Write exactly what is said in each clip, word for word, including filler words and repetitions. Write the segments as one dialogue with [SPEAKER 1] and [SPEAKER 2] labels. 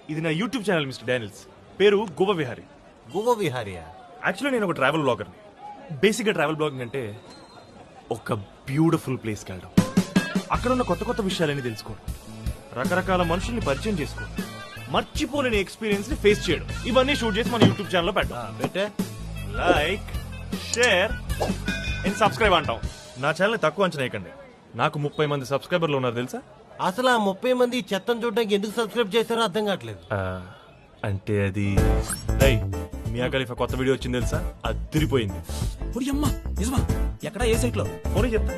[SPEAKER 1] ఇది నా YouTube channel mister Daniels. పేరు గోవ విహారీ.
[SPEAKER 2] గోవా విహారియా?
[SPEAKER 1] యాక్చువల్లీ నేను ఒక ట్రావెల్ బ్లాగర్ని. బేసిక్గా ట్రావెల్ బ్లాగింగ్ అంటే ఒక బ్యూటిఫుల్ ప్లేస్కి వెళ్ళడం, అక్కడ ఉన్న కొత్త కొత్త విషయాలన్నీ తెలుసుకోవడం, రకరకాల మనుషుల్ని పరిచయం చేసుకోవడం, మర్చిపోలేని ఎక్స్పీరియన్స్ ని ఫేస్ చేయడం, ఇవన్నీ షూట్ చేసి మన యూట్యూబ్ ఛానల్లో పెట్టాం.
[SPEAKER 2] పెట్టే
[SPEAKER 1] లైక్, షేర్ అండ్ సబ్స్క్రైబ్ అంటాం. నా ఛానల్ తక్కువ అంచనా వేయకండి. నాకు ముప్పై మంది సబ్స్క్రైబర్లు ఉన్నారు తెలుసా?
[SPEAKER 2] అసలు ఆ ముప్పై మంది చెత్తను చూడడానికి ఎందుకు సబ్స్క్రైబ్ చేస్తారో అర్థం కావట్లేదు.
[SPEAKER 1] ఆ, అంటే అది రై మియా ఖలీఫా కొత్త వీడియో వచ్చింది తెలుసా? అదిరిపోయింది.
[SPEAKER 3] అమ్మా నిజమా? ఎక్కడ ఏ సైట్ లో?
[SPEAKER 1] ఫోన్ చెప్తా.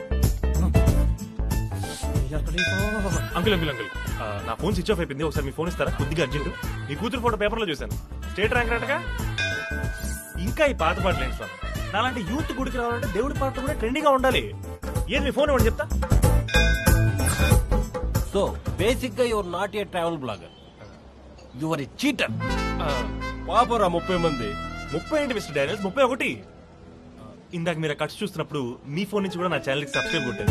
[SPEAKER 1] అంకుల్ అంకుల్ అంకుల్ నా ఫోన్ స్విచ్ ఆఫ్ అయిపోయింది, ఒకసారి మీ ఫోన్ ఇస్తారా? కొద్దిగా అర్జెంట్. మీ కూతురు ఫోటో పేపర్ లో చూశాను, స్టేట్ ర్యాంక్ రాటగా. ఇంకా ఈ పాత పాటలు ఏంటి సార్? నాలాంటి యూత్ గుడికి రావాలంటే దేవుడి పాటలు కూడా ట్రెండింగ్ గా ఉండాలి. ఏది మీ ఫోన్ ఇవ్వండి చెప్తా.
[SPEAKER 2] సో బేసిక్ గా you're not a travel blogger, you're a cheater. పాపరా ముప్పై మంది.
[SPEAKER 1] ముప్పై ఏంటి మిస్టర్ డానియల్స్, ముప్పై ఒకటి. ఇందాక మీరు కట్స్ చూస్తున్నప్పుడు మీ ఫోన్ నుంచి కూడా నా ఛానల్ కి సబ్స్క్రైబ్ కొట్టారు.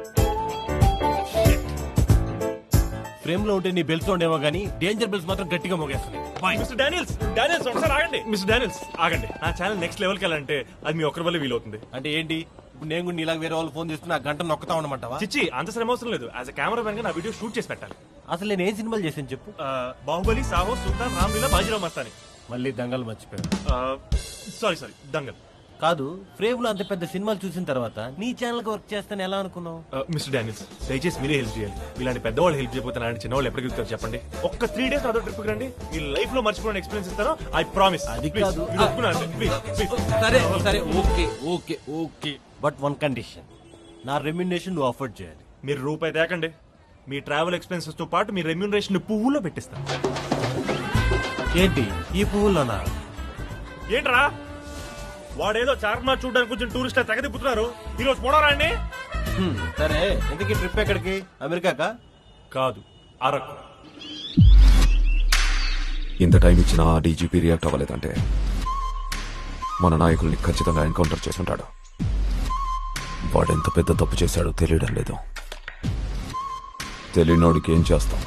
[SPEAKER 2] ఫ్రేమ్ లో ఉంటే నీ బెల్స్ ఉండేమో గానీ డేంజర్ బెల్స్ మాత్రం గట్టిగా మోగేస్తున్నాయి.
[SPEAKER 1] మిస్టర్ డానియల్స్ డానియల్స్ ఒకసారి ఆగండి. మిస్టర్ డానియల్స్ ఆగండి. నా ఛానల్ నెక్స్ట్ లెవెల్కి వెళ్ళాలంటే అది మీ ఒక్కరి వల్ల వీలవుతుంది.
[SPEAKER 2] అంటే ఏంటి? ఇప్పుడు నేను కూడా నీలాగా వేరే వాళ్ళు ఫోన్ చేస్తున్నా గంట నొక్కుతా ఉండమంటావా?
[SPEAKER 1] చిచ్చి అంత శ్రమ అవసరం లేదు. యాజ్ అ కెమెరా మ్యాన్ గా నా వీడియో షూట్ చేసి పెట్టాలి.
[SPEAKER 2] అసలు నేను ఏం సినిమాలు చేశాను చెప్పు?
[SPEAKER 1] ఆ, బాహుబలి, సాహో, సుల్తాన్, రామ్లీలా, బాజీరావు మస్తాని.
[SPEAKER 2] మళ్ళీ దంగలు మర్చిపోయాను.
[SPEAKER 1] సారీ సారీ దంగల్
[SPEAKER 2] కాదు, ఫ్రేమ్ లో అంత పెద్ద సినిమాలు చూసిన తర్వాత నీ ఛానల్ కి వర్క్ చేస్తాను ఎలా అనుకున్నావు?
[SPEAKER 1] మిస్టర్ డానియల్స్ దయచేసి మీరే హెల్ప్ చేయాలి. ఇలాంటి పెద్దవాళ్ళు హెల్ప్ చేయకపోతే అలాంటి చిన్నవాళ్ళు ఎప్పటికి వెళ్తారు చెప్పండి. ఒక్క త్రీ డేస్ అదో ట్రిప్ రండి, మీ లైఫ్ లో మర్చిపోయిన ఎక్స్పీరియన్స్ ఇస్తాను. I promise.
[SPEAKER 2] అది కాదు.
[SPEAKER 3] సరే సరే okay okay okay
[SPEAKER 2] but one condition, నా రెమ్యునరేషన్ నువ్వు అఫోర్డ్ చేయాలి.
[SPEAKER 1] మీరు రూపాయి తేకండి, మీ ట్రావెల్ ఎక్స్పెన్సెస్ తో పాటు మీ రెమ్యూనరేషన్ పువ్వులో పెట్టిస్తాను.
[SPEAKER 2] ఏంటి ఈ పువ్వుల్లోనా?
[SPEAKER 1] ఏంట్రా వాడేదో చార్మినార్ చూడడానికి కొంచెం టూరిస్ట్ తెగ తిప్పుతున్నారు, ఈ రోజు పోవడం అండి.
[SPEAKER 2] హ్మ్, సరే ఎందుకు ట్రిప్ ఎక్కడికి? అమెరికాకా?
[SPEAKER 1] కాదు, అరకు.
[SPEAKER 4] ఇంత టైం ఇచ్చినా ఆ డీజీపీ రియాక్ట్ అవ్వలేదంటే మన నాయకుల్ని ఖచ్చితంగా ఎన్కౌంటర్ చేసుంటాడు. వాడెంత పెద్ద తప్పు చేశాడో తెలియడం లేదు. తెలియనోడికి ఏం చేస్తాం?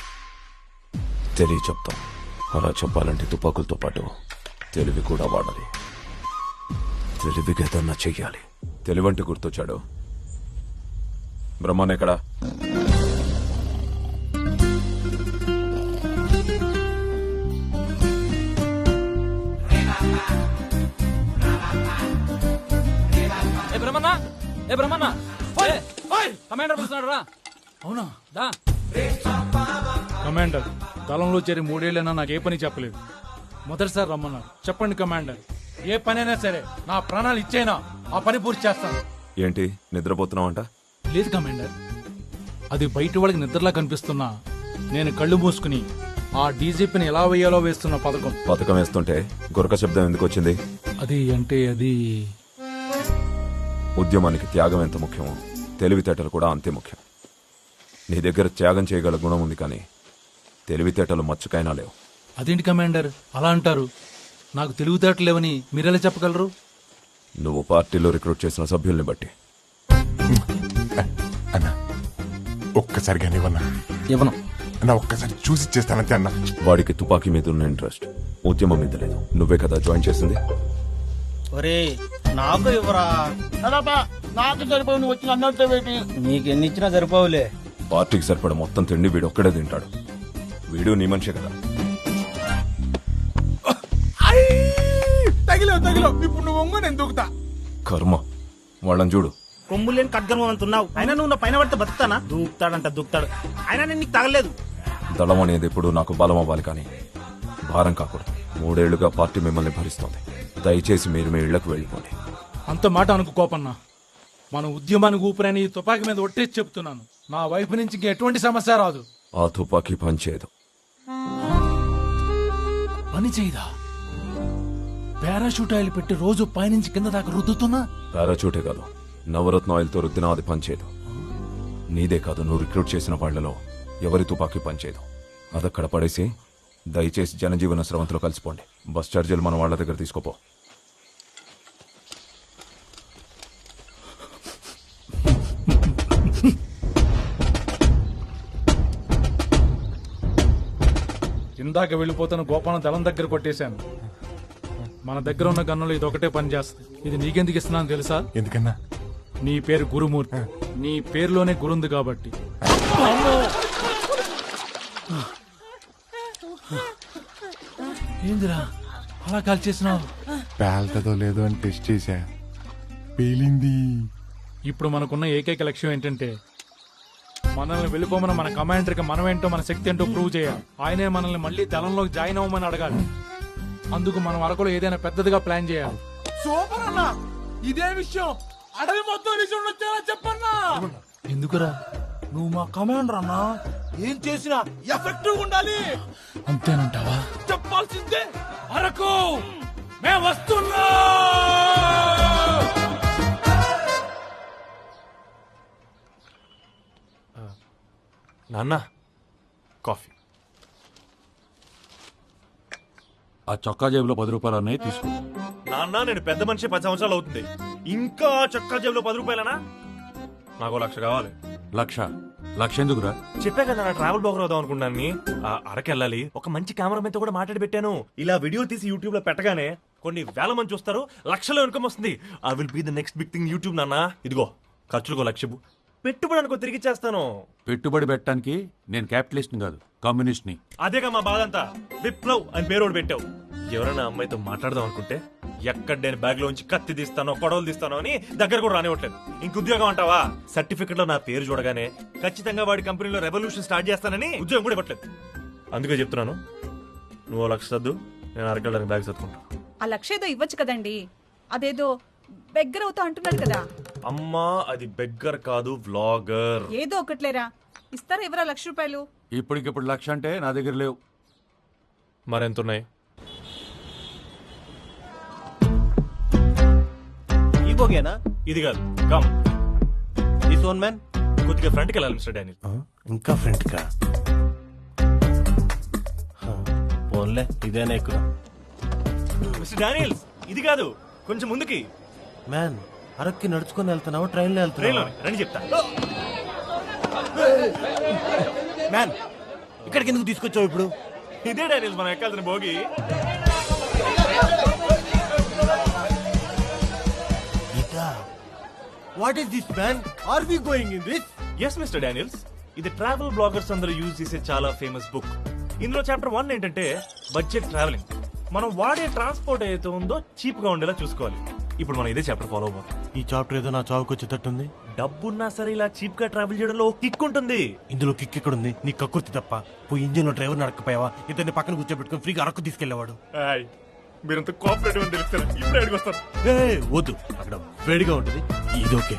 [SPEAKER 4] తెలియ చెప్తాం. అలా చెప్పాలంటే తుపాకులతో పాటు తెలివి కూడా వాడాలి. తెలివిగా ఏదన్నా చెయ్యాలి. తెలివంటే గుర్తొచ్చాడు. బ్రహ్మాన్ ఎక్కడా?
[SPEAKER 3] ఏ బ్రహ్మన్న ఏ బ్రహ్మన్న కమాండర్ పిలుస్తున్నాడు రా. అవునా దా.
[SPEAKER 5] కమాండర్ దళంలో చేరి మూడేళ్లైనా నాకు ఏ పని చెప్పలేదు. మొదటిసారి రమ్మన్నారు. చెప్పండి కమాండర్, ఏ పనైనా సరే నా ప్రాణాలు ఇచ్చేనా ఆ పని పూర్తి చేస్తాను.
[SPEAKER 4] ఏంటి నిద్రపోతున్నావంట?
[SPEAKER 5] లేదు కమాండర్, అది బయట వాళ్ళకి నిద్రలా కనిపిస్తున్నా నేను కళ్ళు మూసుకుని ఆ డీజీపీని ఎలా వేయాలో వేస్తున్న పథకం.
[SPEAKER 4] పథకం వేస్తుంటే గురక శబ్దం ఎందుకు వచ్చింది?
[SPEAKER 5] అది అంటే అది
[SPEAKER 4] ఉద్యమానికి త్యాగం ఎంత ముఖ్యమో తెలివితేటలు కూడా అంతే ముఖ్యం. నీ దగ్గర త్యాగం చేయగల గుణం ఉంది, కానీ తెలివితేటలు మచ్చుకైనా లేవు.
[SPEAKER 5] అదేంటి కమాండర్ అలా అంటారు? నాకు తెలివితేటలేవని మీరెలా చెప్పగలరు?
[SPEAKER 4] నువ్వు పార్టీలో రిక్రూట్ చేసిన సభ్యుల్ని బట్టి.
[SPEAKER 6] అన్నా ఒక్కసారిగా ఇవ్వన్నా
[SPEAKER 3] ఇవ్వను
[SPEAKER 6] అన్నా, ఒక్కసారి చూసి చేస్తానంతే అన్నా.
[SPEAKER 4] వాడికి తుపాకీ మీద ఉన్న ఇంట్రెస్ట్ ఉద్యమం మీద లేదు. నువ్వే కదా జాయిన్ చేసింది.
[SPEAKER 7] ఒరే నాకు ఇవ్వరా నాకు సరిపోయి నువ్వు వచ్చిన అన్నంత పెట్టి నీకు ఎన్ని ఇచ్చినా సరిపోవులే.
[SPEAKER 4] పార్టీకి సరిపడ మొత్తం తిండి వీడు ఒక్కడే తింటాడు. వీడు నీ మనిషే కదా.
[SPEAKER 6] తగిలో తగిలో ఇప్పుడు నువ్వు ఒంగో నేను దూకుతా.
[SPEAKER 4] కర్మ వాళ్ళని చూడు.
[SPEAKER 7] కొమ్ము లేని ఖడ్గం అంటున్నావు, అయినా నువ్వు నా పైన పడితే బతుకుతానా? దూకుతాడంట దూకుతాడు, అయినా నేను నీకు తగలేదు.
[SPEAKER 4] దళం అనేది ఎప్పుడు నాకు బలం అవ్వాలి, కానీ భారం కాకూడదు. మూడేళ్లుగా పార్టీ మిమ్మల్ని భరిస్తోంది. దయచేసి మీరు మీ ఇళ్లకు వెళ్ళిపోండి.
[SPEAKER 5] అంత మాట అనుకు కోపన్నా. మన ఉద్యమానికి ఊపిరని ఈ తుపాకీ మీద ఒట్టేసి చెప్తున్నాను. నా వైపు నుంచి ఇంక ఎటువంటి సమస్య రాదు.
[SPEAKER 4] ఆ తుపాకీ పనిచేయదు.
[SPEAKER 5] పని చేయదా? పారాషూట్ ఆయిల్ పెట్టి రోజు పైనుంచి కింద దాకా రుద్దుతున్నా.
[SPEAKER 4] పారాచూటే కాదు, నవరత్న ఆయిల్తో రుద్దినా అది పనిచేయదు. నీదే కాదు, నువ్వు రిక్రూట్ చేసిన వాళ్లలో ఎవరి తుపాకీ పనిచేయదు. అదక్కడ పడేసి దయచేసి జనజీవన స్రవంతిలో కలిసిపోండి. బస్ ఛార్జీలు మన వాళ్ళ దగ్గర తీసుకోపో.
[SPEAKER 5] ఇందాక వెళ్ళిపోతున్న గోపాలం దళం దగ్గర కొట్టేశాను. మన దగ్గర ఉన్న గన్నులు ఇది ఒకటే పని చేస్తుంది. ఇది నీకెందుకు ఇస్తున్నాను తెలుసా?
[SPEAKER 6] ఎందుకన్నా?
[SPEAKER 5] నీ పేరు గురుమూర్తి, నీ పేరులోనే గురుంది కాబట్టి. ఏందిరా అలా కాల్ చేసినావు?
[SPEAKER 6] పేల్తదో లేదో అని టెస్ట్ చేశా, పేలింది.
[SPEAKER 5] ఇప్పుడు మనకున్న ఏకైక లక్ష్యం ఏంటంటే మనల్ని వెళ్ళిపోమని మన కమాండర్కి మనమేంటో మన శక్తి ఏంటో ప్రూవ్ చేయాలి. ఆయనే మనల్ని మళ్ళీ దళంలోకి జాయిన్ అవ్వమని అడగాలి. అందుకు మనం అరకులో ఏదైనా పెద్దదిగా ప్లాన్ చేయాలి.
[SPEAKER 6] సూపర్ అన్నా, ఇదే విషయం అడవి మొత్తం వచ్చేలా చెప్పన్నా.
[SPEAKER 5] ఎందుకురా?
[SPEAKER 6] నువ్వు మా కమాండర్ అన్నా, ఏం చేసినా ఎఫెక్టివ్ ఉండాలి.
[SPEAKER 5] అంతేనంటావా?
[SPEAKER 6] చెప్పాల్సిందే.
[SPEAKER 5] అరకు మేము వస్తున్నా.
[SPEAKER 1] నాన్న కాఫీ.
[SPEAKER 8] ఆ చొక్కా జేబులో పది రూపాయలు అన్నయ్య తీసుకో.
[SPEAKER 1] నాన్న నేను పెద్ద మనిషి పది సంవత్సరాలు అవుతుంది, ఇంకా చొక్కా జేబులో పది రూపాయలనా? నాకు లక్ష కావాలి.
[SPEAKER 8] లక్ష లక్ష ఎందుకురా?
[SPEAKER 1] చెప్పా కదా నా ట్రావెల్ బ్లాగర్ అవుదాం అనుకున్నాను. అరకెళ్ళాలి, ఒక మంచి కెమెరామెన్ తో కూడా మాట్లాడి పెట్టాను. ఇలా వీడియో తీసి యూట్యూబ్ లో పెట్టగానే కొన్ని వేల మంది చూస్తారు, లక్షల ఇన్కమ్ వస్తుంది. I will be the next big thing YouTube నాన్న. ఇదిగో ఖర్చులకో లక్ష, పెట్టుబడి అనుకో తిరిగి చేస్తాను.
[SPEAKER 8] పెట్టుబడి పెట్టడానికి నేను క్యాపిటలిస్ట్ కాదు, కమ్యూనిస్ట్ ని.
[SPEAKER 1] అదేగా మా బాధ అంతా. విప్లవ్ అని పేరోడు పెట్టావు. ఎవరైనా అమ్మాయితో మాట్లాడదాం అనుకుంటే ఎక్కడ నేను బ్యాగ్ లోంచి కత్తి తీస్తానో కొడవలు తీస్తానో అని దగ్గర కూడా రానివ్వట్లేదు. ఇంక ఉద్యోగం అంటావా? సర్టిఫికెట్ లో నా పేరు చూడగానే ఖచ్చితంగా వాడి కంపెనీలో రెవల్యూషన్ స్టార్ట్ చేస్తానని ఉద్యోగం కూడా ఇవ్వట్లేదు. అందుకే చెప్తున్నాను, నువ్వు లక్ష సర్దు, నేను అరకెళ్ళడానికి బ్యాగ్ సర్దుకుంటా.
[SPEAKER 9] ఆ లక్ష ఏదో ఇవ్వచ్చు కదండి, అదేదో బెగ్గర అవుతా అంటున్నాడు కదా.
[SPEAKER 1] అమ్మా అది బెగ్గర్ కాదు, వ్లాగర్.
[SPEAKER 9] ఏదో ఒకట్లేరా, ఇస్తారా ఎవరా లక్ష రూపాయలు?
[SPEAKER 8] ఇప్పటికిప్పుడు లక్ష అంటే నా దగ్గర లేవు.
[SPEAKER 1] మరెంతున్నాయి?
[SPEAKER 2] ఈ బోగేనా?
[SPEAKER 1] ఇది కాదు, కమ్
[SPEAKER 2] దిస్ వన్ మ్యాన్.
[SPEAKER 1] కొద్దిగా ఫ్రంట్కి వెళ్ళాలి మిస్టర్ డానియల్.
[SPEAKER 2] ఇంకా ఫ్రంట్ కా? ఫోన్లే, ఇదేనా ఎక్కువ.
[SPEAKER 1] మిస్టర్ డానియల్ ఇది కాదు, కొంచెం ముందుకి.
[SPEAKER 2] మ్యాన్, అరక్కి నడుచుకొని వెళ్తున్నావా ట్రైన్లో
[SPEAKER 1] ట్రైన్లో
[SPEAKER 2] వెళ్తున్నావా?
[SPEAKER 1] రండి చెప్తా.
[SPEAKER 2] మ్యాన్, ఇక్కడికి ఎందుకు తీసుకొచ్చావు ఇప్పుడు?
[SPEAKER 1] ఇదే డానియల్ మనం ఎక్కాల్సిన భోగి.
[SPEAKER 2] What is this man? Are we going in this?
[SPEAKER 1] Yes mister Daniels, ఇది ట్రావెల్ బ్లాగర్స్ అందరూ యూజ్ చేసే చాలా ఫేమస్ బుక్. ఇందులో చాప్టర్ వన్ ఏంటంటే బడ్జెట్ ట్రావెలింగ్. మనం వాడే ట్రాన్స్పోర్ట్ ఏదైతే ఉందో చీప్ గా ఉండేలా చూసుకోవాలి. ఇప్పుడు మనం ఇదే చాప్టర్ ఫాలో అవ్వాలి.
[SPEAKER 2] ఈ చాప్టర్ ఏదో నా చావుకు వచ్చేటట్టుంది.
[SPEAKER 1] డబ్బున్నా సరే ఇలా చీప్ గా ట్రావెల్ చేయడంలో ఒక కిక్ ఉంటుంది.
[SPEAKER 2] ఇందులో కిక్ ఎక్కడ ఉంది? నీ కక్కుర్తి తప్ప. పోయి ఇంజిన్ లో డ్రైవర్ నడకపోయావా? ఇతన్ని పక్కన కూర్చోబెట్టుకుని ఫ్రీగా అరకు తీసుకెళ్లేవాడు.
[SPEAKER 1] మీరంతా కోఆపరేటివ్ అని తెలుస్తారు. ఇప్పుడు అడిగి వస్తారు.
[SPEAKER 2] ఏ వద్దు, అక్కడ వేడిగా ఉంటుంది. ఇది ఓకే.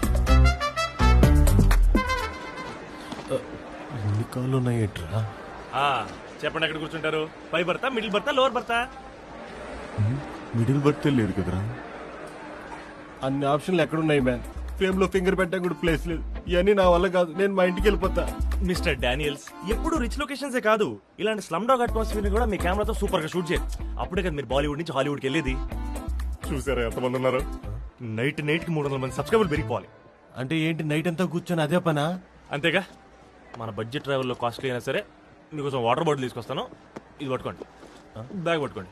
[SPEAKER 2] ఎన్ని కాళ్ళు ఉన్నాయి ఏంట్రా?
[SPEAKER 1] చెప్పండి, ఎక్కడ కూర్చుంటారు? పై బర్తా, మిడిల్ బర్తా, లోవర్ బర్తా?
[SPEAKER 2] మిడిల్ బర్త్ లేదు కదరా. అన్ని ఆప్షన్లు ఎక్కడున్నాయి మ్యాన్? ఫ్రేమ్ లో ఫింగర్ పెట్టడానికి కూడా ప్లేస్ లేదు. ఇవన్నీ నా వల్ల కాదు, నేను మా ఇంటికి వెళ్ళిపోతా.
[SPEAKER 1] మిస్టర్ డానియల్స్, ఎప్పుడు రిచ్ లొకేషన్స్ కాదు, ఇలాంటి స్లమ్ డాగ్ అట్మాస్ఫియర్ ని కూడా మీ కెమెరాతో సూపర్ గా షూట్ చేయాలి. అప్పుడే కదా మీరు బాలీవుడ్ నుంచి హాలీవుడ్కి వెళ్ళేది. చూసారా ఎంతమంది ఉన్నారు? నైట్ నైట్ కి మూడు వందల మంది సబ్స్క్రైబర్లు పెరిగిపోవాలి.
[SPEAKER 2] అంటే ఏంటి, నైట్ అంతా కూర్చొని అదే పనా?
[SPEAKER 1] అంతేగా. మన బడ్జెట్ ట్రావెల్లో కాస్ట్లీ అయినా సరే మీకోసం వాటర్ బాటిల్ తీసుకొస్తాను. ఇది పట్టుకోండి, బ్యాగ్ పట్టుకోండి.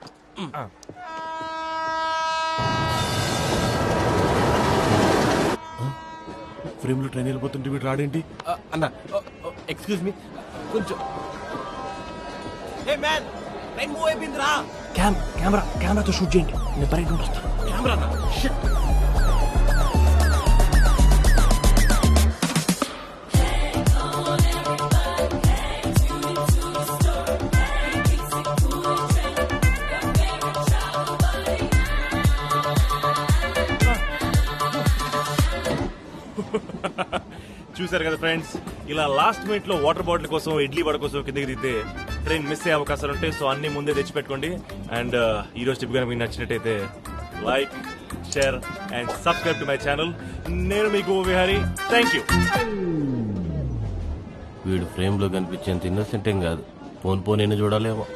[SPEAKER 2] ఫ్రేమ్ లో ట్రైన్ వెళ్ళిపోతుంటే వీడు రాడేంటి? అన్న ఎక్స్క్యూజ్ మీ, కొంచెం.
[SPEAKER 1] కెమెరా కెమెరాతో షూట్ చేయండి, నేను బయట నుండి వస్తాను. కెమెరా చూసారు కదా ఫ్రెండ్స్, ఇలా లాస్ట్ మినిట్ లో వాటర్ బాటిల్ కోసం, ఇడ్లీ వడ కోసం కిందకి దిగితే ట్రైన్ మిస్ అయ్యే అవకాశాలు ఉంటాయి. సో అన్ని ముందే తెచ్చిపెట్టుకోండి. అండ్ ఈ రోజు టిప్ కనుక మీకు నచ్చినట్టయితే like, share and subscribe to my channel. నేను మీకు విహారీ. Thank you.
[SPEAKER 2] వీడు ఫ్రేమ్ లో కనిపించేంత ఇన్నోసెంట్ ఏం కాదు. పోన్ పోన్ చూడాలేమో.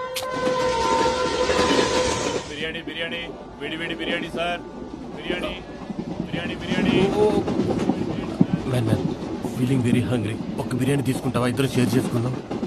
[SPEAKER 1] బిర్యానీ బిర్యానీ వేడి వేడి biryani sir. Biryani biryani biryani.
[SPEAKER 2] Man man feeling very hungry. ఒక బిర్యానీ తీసుకుంటావా? ఇద్దరు షేర్ చేసుకుందాం.